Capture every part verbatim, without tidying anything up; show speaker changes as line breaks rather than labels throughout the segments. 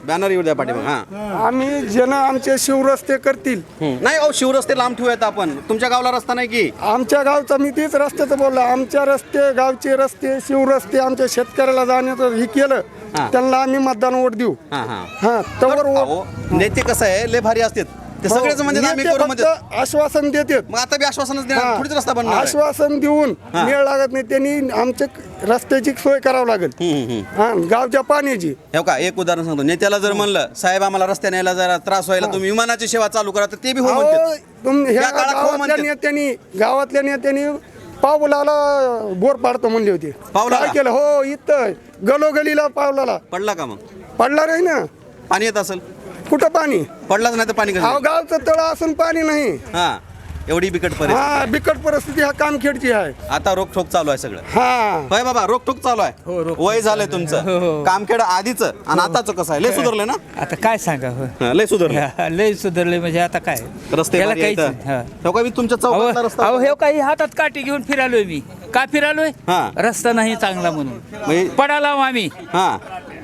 Banner येऊ द्या पाठीमाग. हा
आम्ही जन आमचे शिवरस्ते करतील.
नाही अहो शिवरस्ते लांब ठेवूयात आपण. तुमच्या गावला रस्ता नाही की?
आमच्या गावचा मी तेच रस्त्याचं बोललो. आमच्या रस्ते गावचे रस्ते शिवरस्ते आमच्या शेतकऱ्याला जाण्याचं हे केलं त्यांना आम्ही मतदान वोट देऊ.
हा हा
हा तवर
अहो नेते कसं आहे लय भारी असतात ते सगळेच म्हणजे आम्ही करू म्हणजे
आश्वासन देतात.
मग आता बी आश्वासनच देणार थोडीच रस्ता बनणार आहे.
आश्वासन देऊन मेळ लागत नाही. त्यांनी आमच्या रस्त्याची सोय करावी लागेल.
हम्म, हम्म.
हा गावच्या पाण्याची.
हे का एक उदाहरण सांगतो. नेत्याला जर म्हणलं साहेब आम्हाला रस्त्याने यायला जरा त्रास व्हायला तुम्ही विमानाची सेवा चालू करा तर ते बी हो
अहो,
म्हणतात.
तुम- ह्या
त्या काळात हो
गावातल्या
म्हणतात.
नेत्यांनी गावातल्या नेत्यांनी पावलाला बोर पाडतो म्हणले होते.
पावलाला?
काय केलं हो इथं गलोगलीला पावलाला
पडला का मग?
पडला नाही ना.
पाणी येत असेल?
कुठं पाणी?
पडलाच नाही तर पाणी
अहो
कसं?
गावचं तळ असून पाणी नाही.
हा एवढी बिकट परिस्थिती.
हा बिकट परिस्थिती ह्या कामखेडची आहे.
आता रोखोक चालू आहे सगळं.
हा
होय बाबा रोखोक चालू आहे. वय झालंय तुमचं कामखेड आधीच आणि आताच कसं आहे लय सुधारलंय ना?
आता काय सांगा हो.
हा, लय सुधारलंय.
लय सुधारले म्हणजे आता काय
रस्ते
त्याला
भारी
काहीच
आहेत.
नाही. हा.
हो का मी तुमच्या चौकातला रस्ता
अहो हे काही हातात काठी घेऊन फिरालोय मी. का फिरालोय?
हा.
रस्ता नाही चांगला म्हणून
म्हणजे
पडाला आम्ही.
हा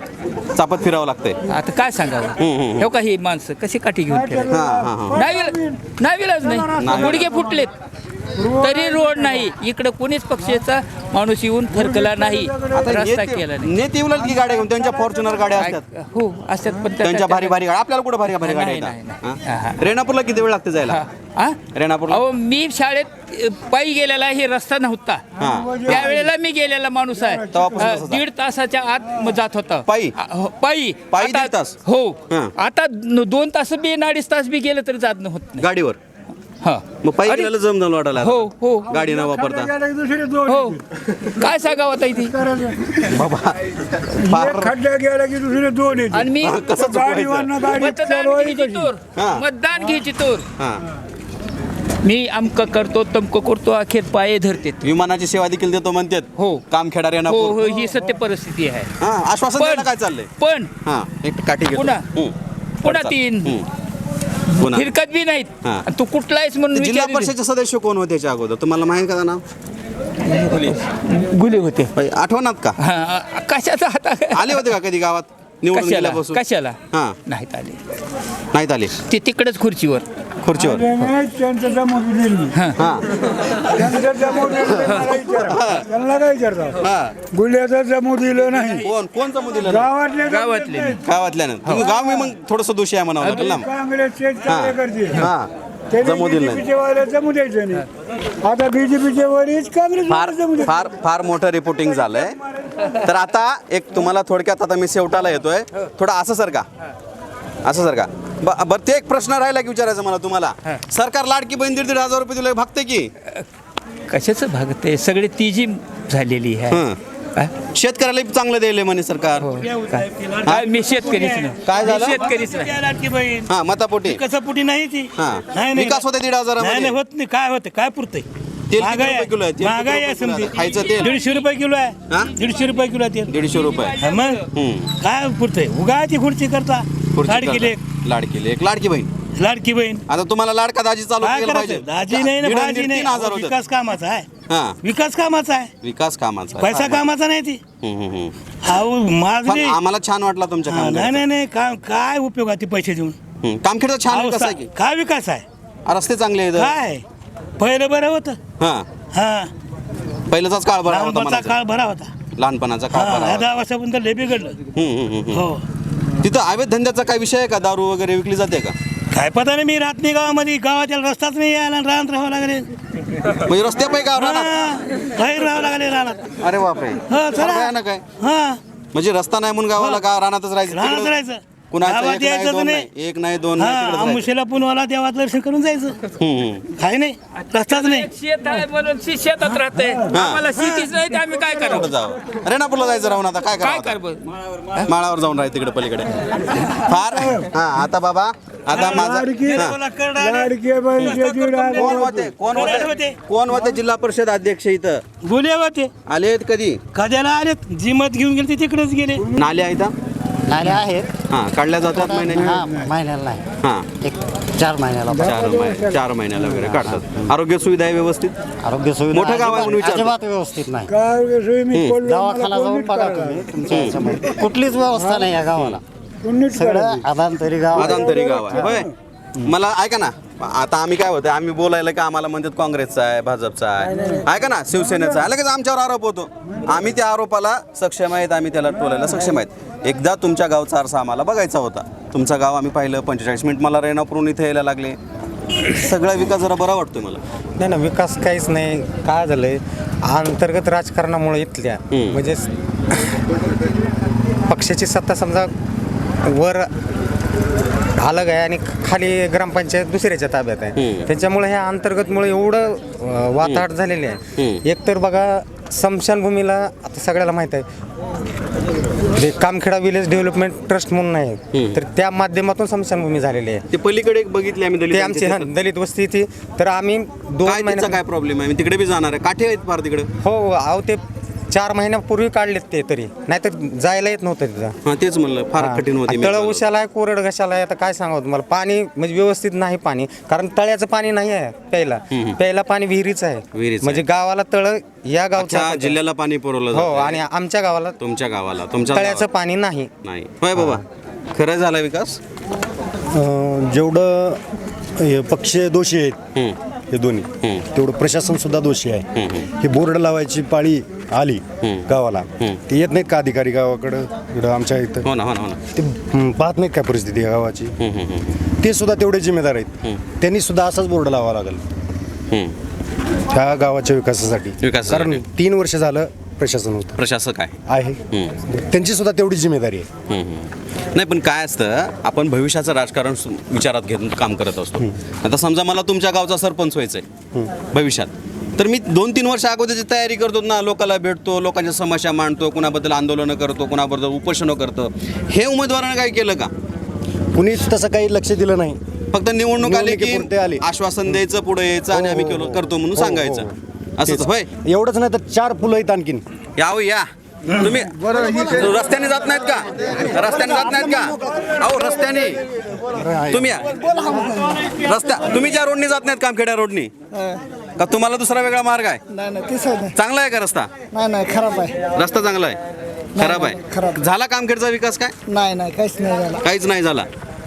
चापत फिरावं लागतंय.
आता काय सांगावं
हम्म.
हे काही माणसं कशी काठी घेऊन फिरायला
हा हा हा
नावीलाच नाही. गुडघे फुटलेत तरी रोड नाही. इकडे कोणीच पक्षाचा माणूस येऊन थरकला नाही.
आता
रस्ता
नेते-
केला नाही.
नेते उलट की गाड्या घेऊन त्यांच्या फॉर्च्युनर गाड्या असतात.
हो असतात पण त्या-
त्यांच्या भारी भारी गाड्या आपल्याला कुठे भारी भारी गाड्या
नाही, नाही, नाही. हा, हा.
येतात? रेणापूरला किती वेळ लागते जायला?
हा?
रेणापूरला
अहो मी शाळेत अ, पायी गेलेला हे रस्ता नव्हता.
हा.
त्यावेळेला मी गेलेला माणूस आहे.
तेव्हापासून
अ,
तसंच
दीड तासाच्या आत म जात होता
पायी?
अ, हो, पायी
पायी
आता-
दीड तास?
हो
हा.
आता न- दोन तास बी न अडीच तास बी गेलं तरी जात होत नाही.
गाडीवर
हा
मग पायी
अरे,
गेलेलं जम वाटायला
हो हो
गाडी न वापरता
हो काय सांगावं आता इथे.
बाबा फार
खड्डा गेला की दुसरे दोन येते.
आणि मी
कसं चुकवायचं?
मतदान घ्यायची तोर
हा.
मतदान घ्यायची तोर
हा
मी अमक करतो तमक करतो अखेर पाये धरते.
विमानाची सेवा देखील देतो म्हणतात.
हो.
कामखेडा
हो
रेणापूर.
हो ही सत्य परिस्थिती आहे.
हा आश्वासन द्यायला काय चाललंय?
पण
हा एक काठी घेतो.
पुन्हा?
हम्म.
पुन्हा
चाल.
तीन
हम्म. पुन्हा
फिरकत बी नाहीत.
हा.
आणि तू कुठलायस म्हणून
जिल्हा
विचारली.
परिषदेचे सदस्य कोण होते याच्या अगोदर तुम्हाला माहिती का नाव?
गुले होते.
बाई, आठवणात का?
हा, कशाचा हाता
आले होते का कधी गावात निवडून
कशाला
गेल्यापासून?
कशाला
हा
नाहीत आले.
नाहीत आले
ते तिकडच खुर्चीवर.
खुर्चीवर.
त्यांचं जमवून दिली.
हा
त्यांचं जमवून दिलं मला विचारा. त्यांना काय विचारता?
हा
गुल्ह्याचं जमू दिलं नाही.
कोण कोण जमू दिलं नाही?
गावातले
गावातले
गावातल्यानं तुम्ही गाव मी मग थोडस दोषी आहे म्हणावं लागेल ना.
काँग्रेसचे कार्यकर्ते
हा जमू दिलं नाही.
बीजेपीचे वाले जमू द्यायचं नाही. आता बीजेपीचे वडील काँग्रेस
फार फार फार मोठं रिपोर्टिंग झालंय. तर आता एक तुम्हाला थोडक्यात आता मी शेवटाला येतोय थोडं असं सर का असं सर का ब- बरं ते एक प्रश्न राहिला की विचारायचं मला तुम्हाला. सरकार लाडकी बहीण दीड दीड हजार रुपये दिले भागते की?
कशाचं भागते सगळे तिजी झालेली आहे.
हं.
हा?
शेतकऱ्याला बी चांगलं द्यायले म्हणे सरकार.
काय? हा, मी शेतकरीच नाही.
काय झालं?
मी शेतकरीच नाही.
लाडकी बहीण
हा मतापोटी
कसं पुटी नाही ती
हा
नाही नाही
विकास होते दीड
नाही नाही
हजारामध्ये.
होत नाही काय होते काय पुरतंय
तेल किती
महागाई
रुपये किलो आहे? तेल किती
महागाई आहे
रुपये किलो आहे?
समजी
खायचं तेल?
दीडशे रुपये किलो
हा?
आहे दीडशे रुपये किलो आहे तेल
दीडशे रुपये.
हा, मग
हम्म.
काय पुरतंय उगाची खुर्ची करता
खुर्ची
लाडकी लेक
करता. लाडकी लेक लाडकी बहीण.
लाडकी बहीण
आता तुम्हाला लाडका दाजी चालू
काय
केलं
करायचं
पाहिजे.
दाजी नाही ना
दीड आणि
भाजी
दीड
नाही
तीन हजार होते.
विकास कामाचा आहे
हा
विकास कामाचा आहे
विकास कामाचा.
पैसा कामाचा नाही ती
हम्म, हम्म, हम्म.
अहो
पण
माझी
आम्हाला छान वाटला तुमच्या
हा, नाही
कामगाराचा.
नाही नाही काय काय उपयोग आहे ते पैसे देऊन
हम्म. कामखेडचा छान
अहो,
विकास आहे की?
काय विकास आहे
रस्ते चांगले आहेत.
काय पहिलं बरं होतं
हा
हा
पहिल्याचाच काळ बरा होता
लहानपणाचा
म्हणायचं.
काळ बरा होता
लहानपणाचा काळ
हा,
बरा
ह्या
होता.
दहा वर्षापर्यंत लय बिघडलं
हम्म, हम्म, हम्म.
हो
तिथं अवैध धंद्याचा काय विषय आहे का? दारू वगैरे विकली जाते का?
काय पता नाही मी राहत नाही गावामध्ये गावाच्या रस्ताच नाही यायला राहत राहावं लागले
म्हणजे रस्त्यापैकी का राहणार?
हा, बाहेर राहावं लागले राहणार
अरे बापरे
हा चला
ना काय
हा
म्हणजे रस्ता नाही म्हणून गावाला का रानातच राहायचं?
राहत
तिकडं
राहायचं
कुणाचं
गावात
एक नाही
यायचंच
दोन
नाही.
नाही एक नाही दोन नाही
हा
तिकडंच राहायचं.
आमुषेला पुनवाला देवात दर्शन करून जायचं
हम्म, हम्म.
काय नाही रस्ताच नाही
शेत आहे म्हणून शी- शेतात राहते आम्हाला शेतीच नाही तर आम्ही काय
कुठं
करावं
जावं? रेणापूरला जायचं राहून आता काय
काय
करावं?
कर
आता? माळावर जाऊन राहायचं तिकडे पलीकडे फार हा आता बाबा आता माझा हा.
लाडके बहिणीचे दीड हजार
कोण होते कोण
कोण
होते
होते?
कोण होते जिल्हा परिषद अध्यक्ष इथं
बोले होते
आले आहेत कधी?
कध्याला आले जिमत घेऊन गेले ते तिकडेच गेले
नाले आहेत हा?
नाले आहेत
हा काढल्या जातात महिन्याने
हा महिन्याला नाही
हा
एक चार महिन्याला
चार महिने चार महिन्याला वगैरे काढतात. आरोग्य सुविधा आहे व्यवस्थित?
आरोग्य सुविधा
मोठं गाव आहे म्हणून
अजिबात-
विचारतो.
अजिबात व्यवस्थित नाही
काय सोयी मी पडलो, मला
दवाखाना जाऊन
कोणीच
बघा
कळलं.
तुम्ही तुमच्या ह्याच्यामध्ये कुठलीच व्यवस्था नाही या गावाला सगळं आदांतरी गाव आहे.
आदांतरी गाव आहे होय. मला ऐका ना, आता आम्ही काय होतं, आम्ही बोलायला की आम्हाला म्हणतात काँग्रेसचा आहे, भाजपचा आहे, ऐका ना, शिवसेनेचा आहे, लगेच आमच्यावर आरोप होतो. आम्ही त्या आरोपाला सक्षम आहेत, आम्ही त्याला टोलायला सक्षम आहेत. एकदा तुमच्या गावचा आरसा आम्हाला बघायचा होता. तुमचं गाव आम्ही पाहिलं, पंचेचाळीस मिनिट मला रेणापूरून इथे यायला लागले. सगळा विकास जरा बरा वाटतोय मला.
नाही ना, विकास काहीच नाही. काय झालंय, अंतर्गत राजकारणामुळे इथल्या म्हणजे पक्षाची सत्ता समजा वर अलग आहे आणि खाली ग्रामपंचायत दुसऱ्याच्या ताब्यात आहे. त्याच्यामुळे ह्या अंतर्गतमुळे एवढं अं, वाताहत झालेले आहे. एकतर बघा, स्मशानभूमीला आता सगळ्याला माहीत आहे, जे कामखेडा विलेज डेव्हलपमेंट ट्रस्ट म्हणून आहे, तर त्या माध्यमातून स्मशानभूमी झालेली आहे.
ते पलीकडे एक बघितले आम्ही
ते
दलित
आमची हा, दलित वस्ती ती. तर आम्ही दोन
काय
महिने
त्याचा काय प्रॉब्लेम आहे, मी तिकडे बी जाणार आहे. काठे आहेत फार तिकडे.
हो अहो, ते चार महिन्यापूर्वी काढलेत ते, तरी नाहीतर जायला येत नव्हतं तिथं.
हा तेच म्हणलं, फार कठीण होती.
तळ उशाला आहे, कोरड घशाला आहे. आता काय सांगावं तुम्हाला, पाणी म्हणजे व्यवस्थित नाही पाणी, कारण तळ्याचं पाणी नाही आहे प्यायला. प्यायला पाणी विहिरीच आहे.
विहिरीचं
म्हणजे गावाला तळ या गावच्या
अच्छा, जिल्ह्याला पाणी पुरवलं
हो,
जातंय.
आणि आमच्या गावाला
तुमच्या गावाला, तुमच्या
तळ्याचं
गावाला
पाणी नाही.
नाही होय बाबा. खरं झाला विकास.
अं, जेवढं हे पक्ष दोषी आहेत
हम्म.
हे दोन्ही,
हम्म.
तेवढं प्रशासन सुद्धा दोषी आहे.
हम्म.
हे बोर्ड लावायची पाळी आली गावाला, ते येत नाहीत का अधिकारी गावाकडं, इकडं आमच्या इथं
हो ना हो ना हो ना.
ते हं, पाहत नाहीत काय परिस्थिती आहे गावाची.
हम्म, हम्म, हम्म.
ते सुद्धा तेवढे जिम्मेदार आहेत. त्यांनी सुद्धा असाच बोर्ड लावावा लागेल
हम्म.
ह्या गावाच्या विकासासाठी.
विकासासाठी.
कारण तीन वर्ष झालं प्रशासन होतं
प्रशासक आहे.
आहे, त्यांची सुद्धा तेवढी जिम्मेदारी आहे.
हम्म, हम्म. नाही पण काय असतं, आपण भविष्याचं राजकारण सु- विचारात घेऊन काम करत असतो. आता समजा मला तुमच्या गावचा सरपंच व्हायचंय भविष्यात, तर मी दोन तीन वर्ष अगोदरची तयारी करतो ना, लोकांना भेटतो, लोकांच्या समस्या मांडतो, कुणाबद्दल आंदोलनं करतो, कुणाबद्दल उपोषणं करतो. हे उमेदवारानं काय केलं का?
कुणीच तसं काही लक्ष दिलं नाही.
फक्त निवडणूक आली की
निवडणुकीपुरते आले.
आश्वासन द्यायचं, पुढे यायचं आणि आम्ही केलो करतो म्हणून सांगायचं. असंच होय.
एवढंच नाही तर चार फुलं आहेत आणखीन.
याव या तुम्ही रस्त्याने जात नाहीत का? रस्त्याने जात नाहीत का? अहो रस्त्याने तुम्ही या. रस्त्या तुम्ही ज्या रोडनी जात नाहीत, कामखेड्या रोडनी, का तुम्हाला दुसरा वेगळा मार्ग आहे?
नाही नाही ते सर
चांगला आहे का रस्ता?
नाही नाही खराब आहे.
रस्ता चांगला आहे, खराब आहे.
खराब.
झाला कामखेडचा विकास काय?
नाही नाही काहीच नाही झालं.
काहीच नाही झाला.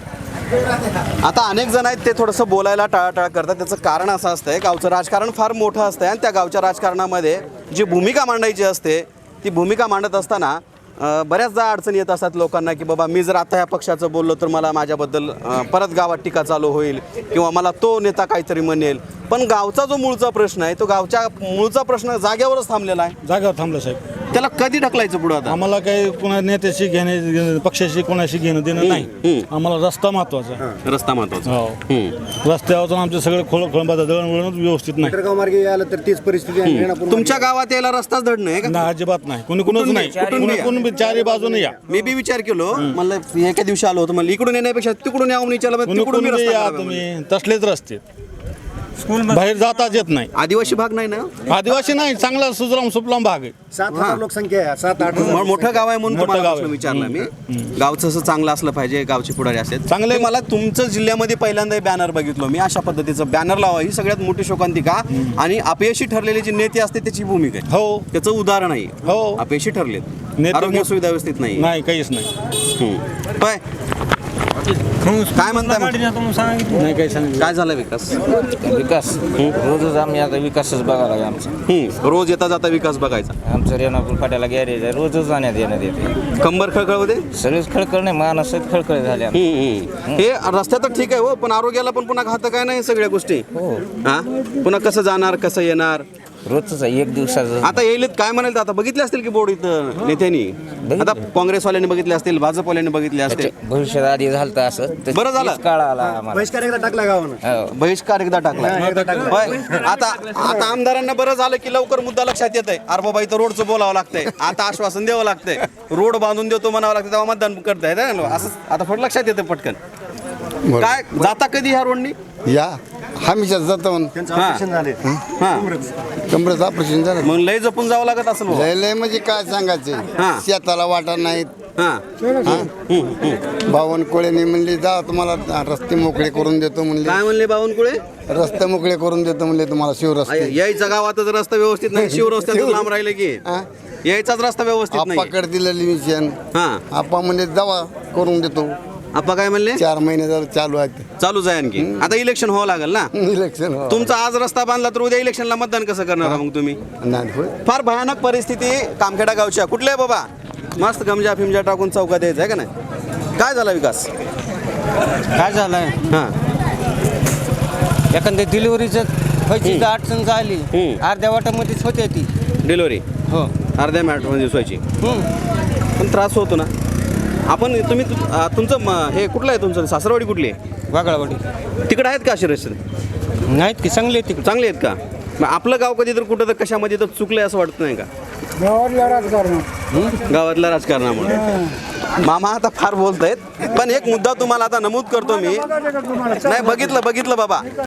आता अनेक जण आहेत ते थोडंसं बोलायला टाळाटाळ करतात. त्याचं कारण असं असतंय, गावचं राजकारण फार मोठं असतंय आणि त्या गावच्या राजकारणामध्ये जी भूमिका मांडायची असते, ती भूमिका मांडत असताना अ, बऱ्याचदा अडचणी येत असतात लोकांना, की बाबा मी जर आता ह्या पक्षाचं बोललो तर मला माझ्याबद्दल अ, परत गावात टीका चालू होईल किंवा मला तो नेता काहीतरी म्हणेल. पण गावचा जो मूळचा प्रश्न आहे, तो गावच्या मूळचा प्रश्न जाग्यावरच थांबलेला आहे.
जागावर थांबलं साहेब.
त्याला कधी ढकलायचं पुढं आता?
आम्हाला काही कोणा नेत्याशी घेणे, पक्षाशी कोणाशी घेणं देणं नाही. आम्हाला रस्ता महत्वाचा आहे.
रस्ता महत्वाचा.
हो,
हम्म.
रस्त्यावर आमचे सगळे खोळ खोळंबाचा दळणवळण व्यवस्थित नाही.
गाव मार्गे आलं तर तीच परिस्थिती आहे. रेणापूर
तुमच्या गावात यायला रस्ताच धड नाही का?
ना, अजिबात नाही. कोणी कोणच
कुठून
नाही.
बी- कुठून बी
कोणी
या.
कोणी बी चारी बाजूने या.
मी बी विचार केलो, म्हणलं एका दिवशी आलो होतो, म्हणलं इकडून येण्यापेक्षा तिकडून यावं विचारलं,
कोणी
तिकडून
कोणी
मी
बी
रस्ता
या
करावा म्हणलं.
तुम्ही, तसलेच रस्ते. बाहेर जाताच येत नाही.
आदिवासी भाग नाही ना?
आदिवासी नाही, चांगला सुजलाम सुफलाम भाग आहे.
सात हजार लोकसंख्या आहे, सात आठ हजार.
म- मोठं गाव आहे म्हणून
मोठं
तुम्हाला
गाव
प्रश्न
आहे.
विचारला मी. गावचं असं चांगलं असलं पाहिजे, गावचे पुढारी असतात
चांगले.
ते. मला तुमचं जिल्ह्यामध्ये पहिल्यांदा बॅनर बघितलो मी. अशा पद्धतीचं बॅनर लावा ही सगळ्यात मोठी शोकांतिका आणि अपयशी ठरलेले जे नेते असते त्याची भूमिका आहे.
हो,
त्याचं उदाहरण आहे.
हो.
अपयशी ठरलेत,
नेते
आरोग्य
मोठ-
सुविधा व्यवस्थित नाही.
नाही, काहीच नाही.
हम्म. काय काय म्हणताय मग?
नाही काही सांगितलं.
काय झालं विकास?
विकास रोजच आम्ही आता विकासच बघायला लागला आमचा.
हम्म. रोज येता जाता विकास बघायचा.
आमचं रेणापूर फाट्याला गॅरेज आहे, रोजच जाण्यात येण्यात येते.
कंबर खळखळ होते.
सगळेच खळखळ नाही, माणूस खळखळ झाले आमचे.
हम्म, हम्म. हे रस्त्या तर ठीक आहे हो, पण आरोग्याला पण पुन्हा घातक काय नाही सगळ्या गोष्टी.
हो,
हा पुन्हा कसं जाणार, कसं येणार?
रोजच आहे, एक दिवसाचं.
आता येईल काय म्हणाल, आता बघितले असतील की बोर्ड इथं नेत्यांनी. आता काँग्रेसवाल्यांनी बघितले असतील, भाजपवाल्यांनी बघितले असतील.
भविष्यात आधी झालं तर असं तर
बरं झालं.
तेच काळ आला आम्हाला.
बहिष्कार एकदा टाकला गावानं.
हो.
बहिष्कार एकदा टाकला. होय. आता आता आमदारांना बरं झालं की लवकर मुद्दा लक्षात येत आहे. अरे बाबा इथं रोडचं बोलावं लागतंय, आता आश्वासन द्यावं लागतंय, रोड बांधून देतो म्हणावं लागतं, तेव्हा मतदान करताय ना. असं आता थोडं लक्षात येतं पटकन. काय जाता कधी ह्या रोडनी?
या हमेशा जातो
ऑपरेशन झाले.
हा
कमरेचं ऑपरेशन झालं.
मग लय जपून जावं लागत असेल बुवा.
लय लय म्हणजे काय
हा.
सांगायचं, शेताला वाटा नाहीत.
हा
बावनकुळेने म्हणली जा तुम्हाला रस्ते मोकळे करून देतो म्हणले,
काय म्हणले बावनकुळे?
रस्ते मोकळे करून देतो म्हणले तुम्हाला शिवरस्ते.
यायचा गावातच रस्ता व्यवस्थित नाही, शिवरस्त्यातून लांब राहिले की.
हा?
यायचाच रस्ता व्यवस्थित नाही
आप्पाकडे दिलेली मिशन
हा
आप्पा म्हणजे दवा करून देतो.
आपा काय म्हणले
चार महिने झालं चालू आहे
चालूच आहे आणखी आता इलेक्शन व्हावं लागेल ना
इलेक्शन हो.
तुमचा आज रस्ता बांधला तर उद्या इलेक्शनला मतदान कसं करणार मग तुम्ही
नाही होय.
फार भयानक परिस्थिती कामखेडा गावच्या कुठले बाबा मस्त गमजा फिमजा टाकून चौकात द्यायचं आहे का नाही काय झाला विकास
काय झालंय
हां
एखाद्या डिलिव्हरीचं व्हायची जर अडचण झाली
हम्म.
अर्ध्या वाटामध्येच होते ती
डिलिव्हरी
हो
अर्ध्या मिनिटमध्ये दिसवायची
हम्म.
पण त्रास होतो ना आपण तुम्ही तु- आ, तुमचं म- हे कुठलं आहे तुमचं सासरवाडी कुठली आहे
वागळावाडी
तिकडे आहेत का असे रस्ते
नाहीत की चांगले तिकडे
चांगले आहेत का मग आपलं गाव कधी तर कुठं तर कशामध्ये तर चुकलंय असं वाटत नाही का
गावातल्या राजकारण
गावातल्या राजकारणामुळे मामा आता फार बोलतायत पण एक मुद्दा तुम्हाला आता नमूद करतो मी नाही बघितलं बघितलं बाबा